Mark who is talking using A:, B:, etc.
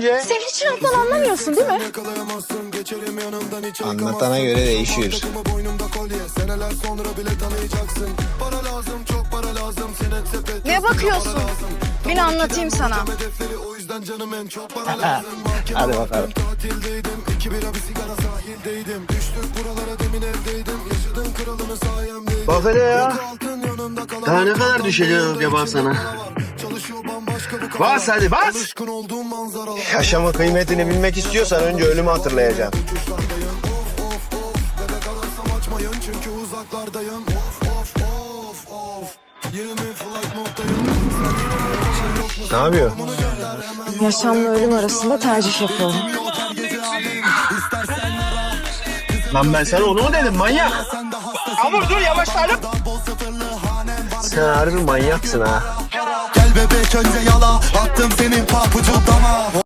A: önce.
B: Sen hiç laftan anlamıyorsun değil mi?
A: Anlatana göre değişiyor.
B: Ne bakıyorsun? Bin anlatayım sana.
A: Hadi bakalım.
C: Bak hele ya. Daha ne kadar düşeceğim acaba sana? Bas hadi bas.
A: Yaşamın kıymetini bilmek istiyorsan önce ölümü hatırlayacaksın. Ne yapıyor?
B: Yaşamla ölüm arasında tercih yapıyorum.
C: Lan ben sana onu mu dedim manyak?
A: Amur dur yavaşlayalım. Sen harbi manyaksın ha.
D: Gel bebek önce yala, attım senin papucu dama.